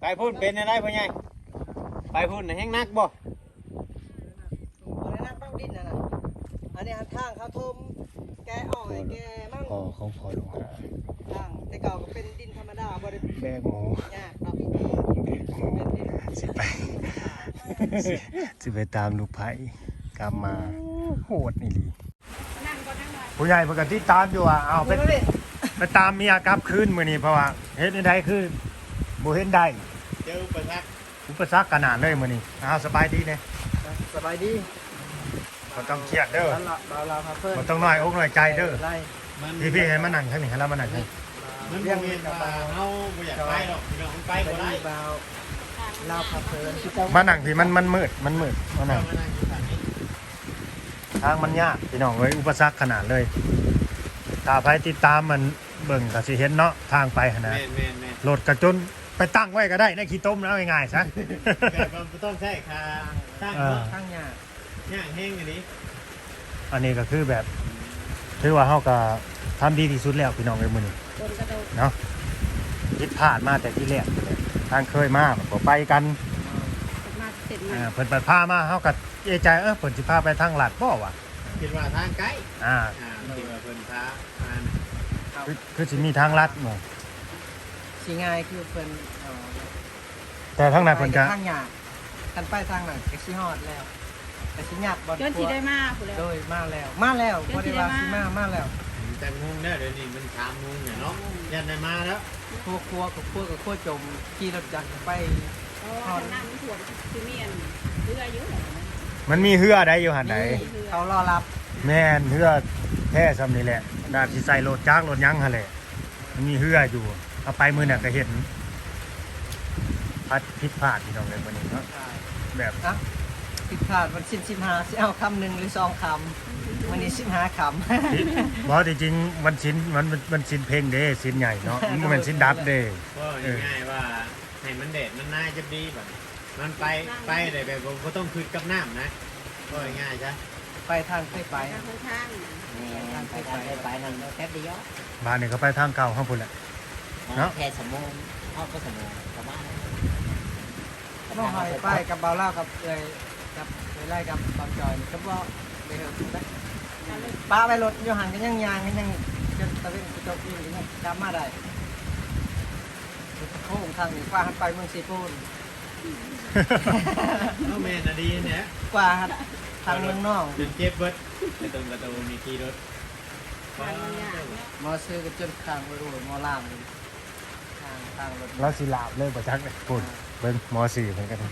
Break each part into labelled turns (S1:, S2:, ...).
S1: ไปพูดเป็นอะไรพ่อใหญ่ไปพูดน่ะแห้งนักบ่
S2: อะไรนักต้องดิ้นนะอันนี้ทางเขาทมแกอ่อยแกมั่ง
S3: พ่อของพ่อลงหา
S2: ทางแต่เก่าก็เป็นดินธรรมดาบ่ได้
S3: แบกหมู
S2: ยากครับ
S3: สิไปสิไปตามลูกไผ่กลับมาโหดนี่ลีผู้ใหญ่ปกติตามอยู่อ่ะเอาไปตามเมียกลับคืนมื้อนี้เพราะว่าเฮ็ดได้คือบ่เห็นได้
S1: เจออุปสรรค
S3: อุปสรรคขนาดเลยมื้อนี้เอาสบายดีเด้
S2: สบายดี
S3: บ่ต้องเครียดเด้อ
S2: บ้านเราครับเพื่อน
S3: บ่ต้องน้อยอกน้อยใจเด้อ
S2: ไล่
S3: พี่ให้มานั่งให้นี่ให้เรามานั่งให้
S1: มันบ่แม่นว่าเฮาบ่อยากไปหรอกพี่น้องไปบ่ได้
S2: เบาเราพับเพลิน
S3: มานั่งพี่มันมืดมานั่ง
S1: มานั่งอยู่ฝั่งนี้
S3: ทางมันยากพี่น้องเอ้ยอุปสรรคขนาดเลยถ้าไปติดตามมันเบิ่งก็สิเห็นเนาะทางไปหั่นน่ะ
S1: แม่น
S3: รถกระจนไปตั้งไว้ก็ได้ในขี้ต้มแล้วง่ายๆซะ
S1: ๆแบบมันต้องใช้ค่าสร้างเนาะ
S2: ข้างยาก
S1: ย่างแห้งอันนี้
S3: อันนี้ก็คือแบบถือว่าเฮาก็ทำดีที่สุดแล้วพี่น้องเอ้ยมื้อนี้เนาะผิดพลาดมาแต่ที่แรกเลยทางเคยมาบ่ไปกันเพิ่นไปพามาเฮาก็เอะใจเพิ่นสิพาไปทางลาดบ่วะ
S1: คิดว่าทางไกล
S3: อ่า
S1: คิดว่าเพิ่นพามา
S3: คือสิมีทางลัดบ่
S2: สิง่ายคือเพิ่น
S3: แต่ทางนั้นเพิ่นก็
S2: ข้างยากกันไปทางนั้นก็สิฮอดแล้วแต่สิยากบ่
S4: จนสิได้มาผู้แล้ว
S2: โดยมาแล้วบ่ได้ว่าสิมาแล้ว
S1: แต่งงเด้อเดี๋ยวนี้มัน3 โมงเนี่ยเนาะยันได้มาแล้ว
S2: ครัวกับครัวจมขี่รถจักรไป
S4: เพราะว่าน้ำมันท่วมคือเมียนเรือเยอะเลย
S3: มันมีเหือใดอยู่หั่นใด
S2: เขารอรับ
S3: แม่นเหือแท้ซำนี่แหละดาบสิใส่รถจักรรถหยังหั่นแหละมันมีเหืออยู่เอาไปมื้อน่ะก็เห็นผิดพลาดพี่น้องเอ้ยมื้อนี้เนาะแบบ
S2: นะผิดพลาดวันสิ้น15สิเอาคำหนึ่งหรือ2คำวันนี้15คำ
S3: บ่ที่จริงวันศิลมันศิลเพลงเด้ศิลใหญ่เนาะมันบ่แม่นศิลดับเด้
S1: ก็ง่ายๆว่าให้มันแดดมันน่าจะดีแบบมันไปได้แบบผมก็ต้องคืนกับน้ำนะก็ง่ายๆจ้ะ
S2: ไปทางเคยไป
S4: ทางข้าง
S5: ทางไปนั่นแป๊บเดียว
S3: บ้านนี่ก็ไปทางเก่าข้างพุ่นแหละ เนาะ
S5: แค่สมองพ่อก็สมองประมาณนั้น
S2: ต้องหอยไปกับเบาเล่ากับเลยกับเลยไล่กับบางจอยก็ว่าเลยเหรอถูกไหมป้าไปรถอยู่ห่างกันยังยางกันยังจนตะเวนไปจบอยู่นี่กลับมาได้โค้งทางนี้กว่าหันไปเมืองซีปูน
S1: เอาแม่น่ะดีเนี่ย
S2: กว่าหันทางเมืองน้อง
S1: จนเจ็บเบิดไปตรงประตูมีขี่รถ
S4: ทางมันยากเนาะ
S2: มอซื้อกันจนคางไปรู้มอล่างเลยทางรถ
S3: แล้วสิลาบเลยบ่จักเลยพุ่นเบิ่งม .4 เหมือนกัน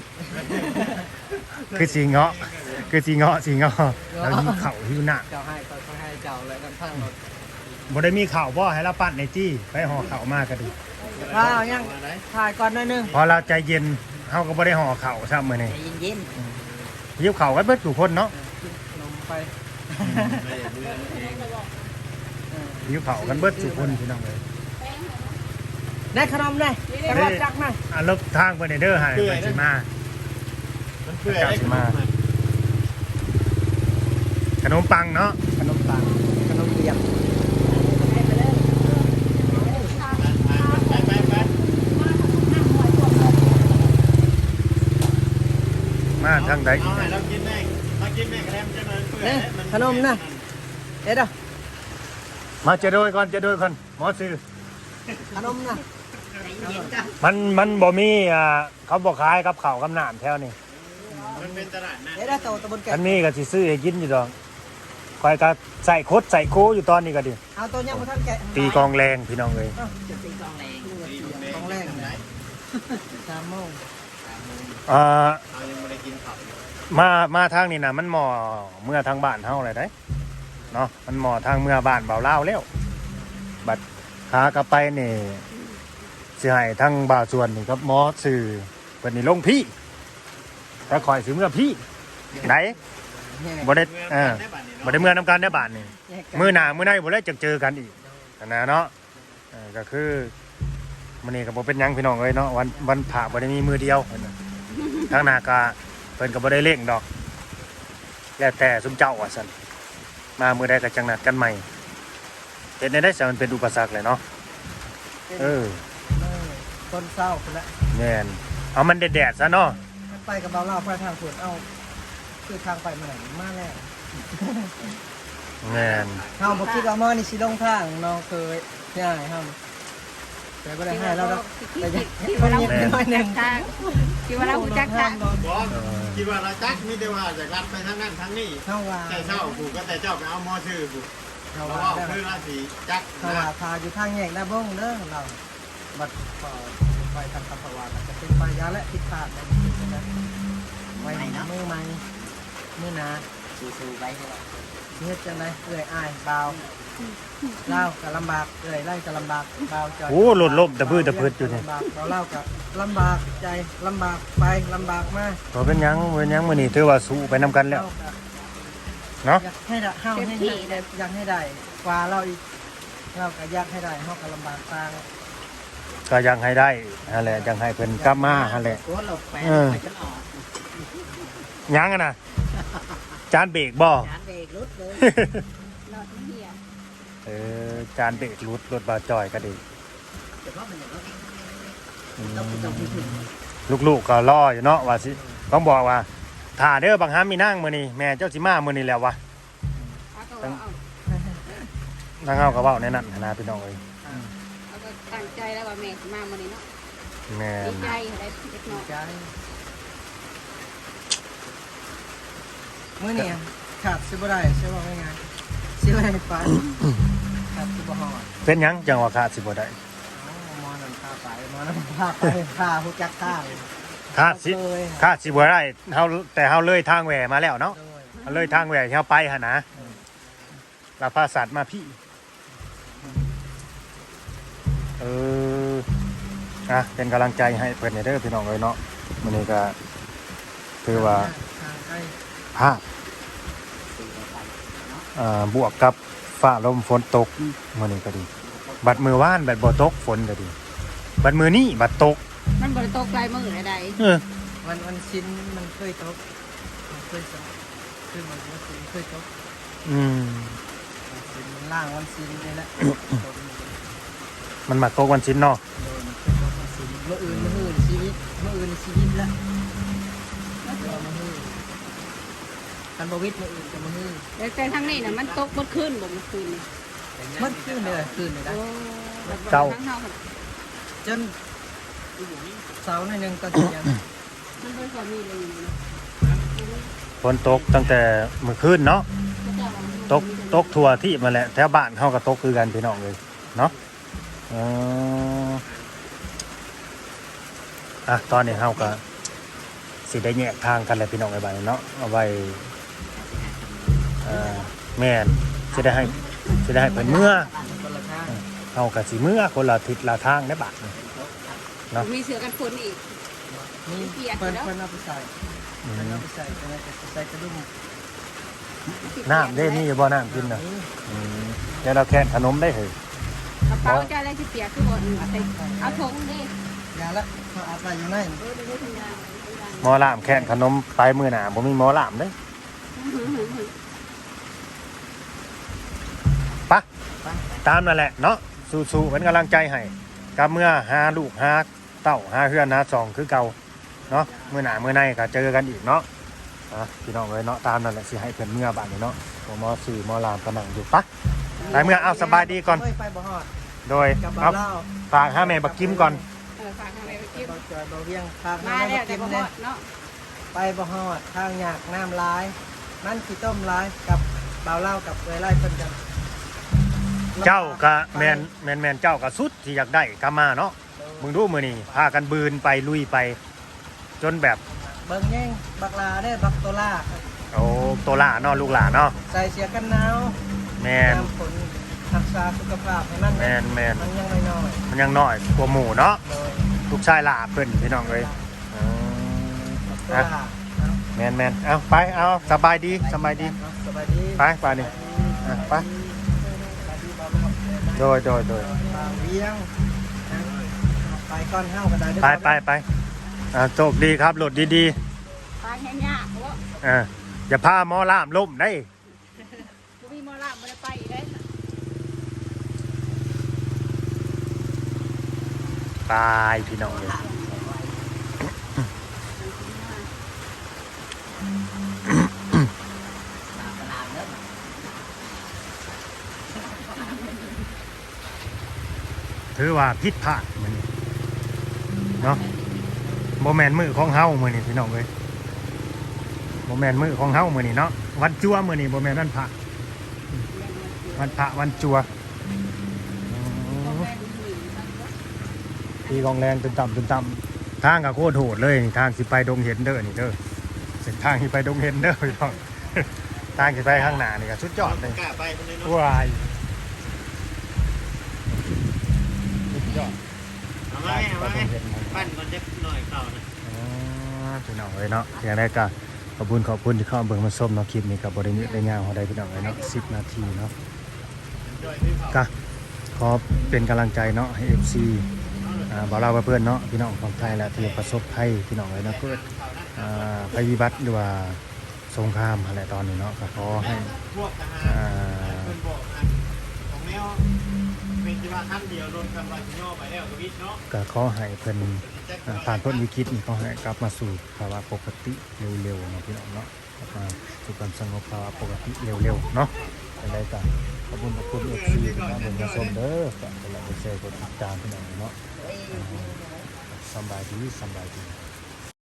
S3: คือสิเงาะสิเงาะแล้วมีข้าวหิวหน้า
S2: เจ้าให้ก็ให้เจ้าเลยกันทางรถ
S3: บ่ได้มีข้าวบ่ให้เราปั้นในจี้ไปห่อข้าวมาก็ดี
S2: ว้าวยังถ่ายก่อนหน่อยนึง
S3: พอเราใจเย็นเฮาก็บ่ได้ห่อข้าวซ้ำมื้อนี้
S5: ใจเย็น
S3: หิวข้าวกันเบิดทุกคนเนาะ
S2: นมไป
S1: ไม่ได้เบื่อเอง
S3: หิวข้าวกันเบิดทุกคนพี่น้องเอ้ย
S2: ได้ขนมได้แต่ว่าจักนะ
S3: อ่ะลบทางเพิ่นเด้อให้เพิ่นสิมา
S1: มันเปื่อยได้ขนม
S3: ขนมปังเนาะ
S2: ขนมปังขนมเปียก
S1: ไป
S3: มาทางใด
S1: เอาให้เรากินแม่มากินแม่กระเทียมจะมันเปื่อย
S2: เนี่ยขนมนะเอ็ดอ่ะ
S3: มาจะโดยก่อนหมอซื้อ
S2: ขนมนะ
S3: มันบ่มีเขาบ่ขายกับข้าวกับน้ำแถวนี้
S1: มันเป็นตลาดนะ
S2: เอ็ดอ่ะโตตะบนแก่
S3: อันนี้ก็สิซื้อให้กินอยู่ดอกคอยก็ใส่คดใส่โคอยู่ตอนนี้ก็ดิ
S2: เอาตัวยังมาท่านแกะ
S3: ตีกองแรงพี่น้องเอ้ย
S5: จะตีกองแรง
S2: ของแรกนะ3 โมง
S3: อ่า
S1: เอายังไม่ได้กินข้าวอยู่
S3: มาทางนี้นะมันหมอเมื่อทางบ้านเฮาเลยได้เนาะมันหมอทางเมื่อบ้านเบาเล่าวแล้วบัดขากลับไปนี่สิให้ทางบ่าวส่วนนี่กับหมอสื่อเพิ่นนี่ลงพี่แต่คอยสิเมื่อพี่ไหนบ่ได้บ่ได้เมื่อนํกันได้บ้านนี่มื้อหน้ามื้อในบ่ได้จะเจอกันอีกนะเนาะก็คือมื้อนี้ก็บ่เป็นหยังพี่น้องเอ้ยเนาะวันพระบ่ได้มีมื้อเดียวทางหน้าก็เพิ่นก็บ่ได้เร่งดอกแล้วแต่ซุมเจ้าว่าซั่นมามื้อใดก็จังนัดกันใหม่เฮ็ดได้ซะมันเป็นอุปสรรคเลยเนาะ
S2: ต้นเศร้าคนละ
S3: แแม่นเอามันแดดๆซะเนาะ
S2: ไปกับเบาเล่าไปทางสวนเอาคือทางไปมาไหนมาแล้ว
S3: แม่น
S2: เฮาบ่คิดว่าหมอนี่สิลงทางน้องเคยใช่เฮาแต่บ่ได้ให้เราแล้วแต่ยัง
S4: คิด
S2: ค
S4: ว่าน เรา
S2: เงียบน้อยหนึง
S4: ทางคิดว่าเรารู้จักทาง
S1: บอสคิดว่าเราจักมีแต่ว่าจะรัดไปทางนั้นทางนี้
S2: เฮาว่า
S1: แต่เจ้าผูกก็แต่เจ้าไปเอามอชื่อผูก
S2: เฮา
S1: เพราะ
S2: ว่า
S1: ว่าคือราศีจัก
S2: เฮาว่าพาอยู่ทางแยกหน้าบ้งเด้อเราบัดก็ไปทางคำภาวะแล้วก็เป็นไปยาและผิดพลาดนะไว้มือใหม่มือหนา
S5: สู้ๆไปเลย
S2: เฮ็ดจังไดเอื้อยอ้ายเบาเล่าก็ลำบากเอื้อยไล่ก็ลำบากเบาจอย
S3: โอ้หล่นล่มตะพื้นตะพืดอยู่นี่
S2: ลำบากเล่าก็ลำบากใจลำบากไปลำบากมา
S3: บ่เป็นหยังมื้อนี้ถือว่าสู้ไปนํกันแล้ว เนาะ
S2: อยากให้ได้เฮาให้ได้อยากให้ได้กว่าเราอีกเราก็อยากให้ได้เฮาก็ลำบากตาง
S3: ก็ยังให้ได้นั่นแหละยังให้เพิ่นกลับมานั่นแหละ
S5: โคตรเราแปลไปจนออก
S3: ยังอะนะจานเบรกบ่
S5: จานเบรกรุดเลย
S4: หลอดเหี้ย
S3: จานเบรกรุดรถบาจอยก็ดี
S5: แต่ว่ามันอย่างนั้น
S3: อืม
S5: ต้องพูดถึง
S3: ลูกๆก็รออยู่เนาะว่าสิต้องบอกว่าถ้าเด้อบางหามีนั่งมื้อนี้แม่เจ้าสิมามื้อนี้แล้ววะ
S4: เอาก็ว่าเอา
S3: ทางเฮาก็เว้าในนั้นนะพี่น้องเอ้ย
S4: เอาก็ตั้งใจแล้วว่าแม่สิมามื้อนี้เนาะ
S3: แม่
S4: ดี
S3: น
S4: ใจได้เล็กน้อย
S2: ใจมื้อนี้ขาดสิบ่ได้ใช่ว่าง่ายๆสิบ่ได้ไปขาดสิบ่ฮอด
S3: เป็นหยังจังว่าขาดสิบ่ได้
S2: หมอนั่นพาไปหมอนั่นพาไปพาฮู้จักทาง
S3: ขาดสิ
S2: เลย
S3: ขาดสิบ่ได้เฮาแต่เฮาเลยทางแหวมาแล้วเนาะ
S2: โดย
S3: เฮาเลยทางแหวที่เฮาไปหั่นนะลาพาสัตว์มาพี่เป็นกำลังใจให้เพื่อนเด้อพี่น้องเลยเนาะมื้อนี้ก็ถือว่า
S2: ทางใกล้
S3: ภาพบวกกับฟ้าลมฝนตกมื้อนี้ก็ดี บัดมือว่านบัดบ่ตกฝนก็ดี บัดมือนี้บัดตก
S4: มันบ่ได้ตกลายมื้อใด
S3: เออ
S2: วันชิ้นมันเคยตกมันเคยตกคือมันเคยตก
S3: อืม
S2: วันชิ้นมันล่างวันชิ้นนี่แหละตก
S3: มันมาตกวันชิ้นเนาะ
S2: โดยมันเคยตกวันชิ้นเมื่ออื่นชีวิตเมื่ออื่นชีวิตละเดี๋ยวมาฮือกันบวิทย์เมื่ออื่นจะมาฮือ
S4: ๆแต่ทางนี้น่ะมันตกหมดคืนบ่เมื่อคืนนี่
S2: มันขึ้นเลยขึ้นเลยนะ
S4: โอ้ทางเฮามัน
S2: จนเสาหน่อยหนึงตอนเที่ยง
S4: มันบ่ค่อยมีเลยอยู่นี่
S3: ฝนตกตั้งแต่เมื่อคืนเนาะตกทั่วที่มาแหละแถวบ้านเฮาก็ตกคือกันพี่น้องเลยเนาะตอนนี้เฮาก็สิได้แยกทางกันแล้วพี่น้องไอ้บ้านนี้เนาะเอาไว้แม่นสิได้ให้เพิ่นเมื่อ
S2: คนละข้าง
S3: เฮาก็สิเมื่อคนละทิศละทางได้บัดนี้ เนาะ
S4: มีเสือกันฝนอีก
S2: นี่เพิ่นเอาไปใส่
S3: อื
S2: เพิ่น
S3: ม
S2: เอาไปใส่ใส่กระดุม
S3: น้ำได้มีอยู่บ่น้ำกินน่ะเดี๋ยวเราแค่ขนมได้เหรอก
S4: ระเป๋าจะอะไรที่เปียกคือบ่เอาถุงดิ
S2: ยาละเขาอาบไปอยู่ไหน
S4: เดี๋ยวทำงาน
S3: หมอลามแค่ขนมไปมื้อหน้าบ่มีหมอลามเด้ปะตามนั่นแหละเนาะสู้ๆเป็นกำลังใจให้กับเมื่อหาลูกหาเต้าหาเฮือนหาซองคือเก่าเนาะมื้อหน้ามื้อในก็เจอกันอีกเนาะพี่น้องเอ้ยเนาะตามนั่นแหละสิให้เพิ่นเมื่อบัดนี้เนาะหมอ4หมอลามก็นั่งอยู่ปะไปเมื่อเอาสบายดีก่อน
S2: ไปบ่ฮอด
S3: โดย
S2: กับ
S3: เอา
S2: เบาเล่า
S3: ฝากหาแม่บักกิมก่อน
S4: ฝากทางไปกิน
S2: เบาจอยเบาเวียงพา
S4: มา
S2: มา
S4: แล้ว
S2: กิ
S4: แต่
S2: น
S4: บ่ฮ
S2: เล
S4: อย ดเนาะ
S2: ไปบ่ฮอดทางหยากน้ำลายนั่นขี้ต้มลายกับเบาเล่ากับไล่เพิ่นกัน
S3: เจ้าก็แม่นเจ้าก็สุดที่อยากได้กลับมาเนาะมึงดูมื้อนี้พากันบืนไปลุยไป จนแบบ
S2: เบิ่งแย่งบักลาได้บักโตล่า
S3: โอ้โตล่าเนาะลูกหลานเนาะ
S2: ใส่เสียกันหนาว
S3: แม่น
S2: น้ำฝนรักษาสุขภาพให้มัน
S3: แม่น
S2: มันยังไม่น้อย
S3: มันยังน้อยกว่าหมู่เนาะ
S2: โดย
S3: ลูกชายหลาเพิ่นพี่น้องเอ้ย
S2: บักโตล่า
S3: แม่นเอาไปเอาสบายดี
S2: สบายดี
S3: ไปนี่ไปโดย
S2: บางเวียงไปก้อนเฮ้ากันได้
S3: ไปโชคดีครับรถดี
S4: ทางแห้งยากเพราะว่า
S3: อย่าพาหมอลามล้มได้
S4: บ่มีหมอลำบ่ได้ไปอีกเด้
S3: ตายพี่น้องเลยถือว่าผิดพลาดมื้อนี้เนาะบ่แม่นมื้อของเฮามื้อนี้พี่น้องเอ้ยบ่แม่นมื้อของเฮามื้อนี้เนาะวันจั่วมื้อนี้บ่แม่นวันพระวันพระวันจั่วตีกองแรงตึมต่ำทางก็โคตรโหดเลยนี่ทางสิไปดงเห็นเด้อนี่เด้อเส้นทางที่ไปดงเห็นเด้อพี่น้องทางที่ไปข้างหน้านี่ก็สุดยอดเลย
S1: กล้าไปคนนี้เนาะ
S3: ว้ายสุดยอด
S1: เอามาเอามาปั้นมันจะหน่อยเก่านะ
S3: พี่น้องเลยเนาะอย่างแรกก็ขอบคุณที่เข้าเบิ่งมาชมเนาะคลิปนี้กับบริษัทได้ยาวของใดพี่น้องเลยเนาะ10 นาทีเนาะก็ขอเป็นกำลังใจเนาะให้ FC บ่าวลาวเพื่อนเนาะพี่น้องของไทยและที่ประสบภัยพี่น้องเลยเนาะเกิดภัยพิบัติหรือว่าสงครามอะไรตอนนี้เนาะก็ขอให้
S1: พวกทหารเพิ่นบอกนะของแนวเป็นที่ว่าขั้นเดียวโดนคำว่าสิย่อไปแล้วก็วิทย์เนาะ
S3: ก็ขอให้เพิ่นผ่านพ้นวิกฤตนี้ขอให้กลับมาสู่ภาวะปกติเร็วๆเนาะพี่น้องเนาะกลับมาสู่ความสงบภาวะปกติเร็วๆเนาะอะไรกันขอบคุณFC ที่มาเบิ่งมาชมเด้อฝากกดไลค์กดแชร์กดติดตามพี่น้องเนาะสำบายดี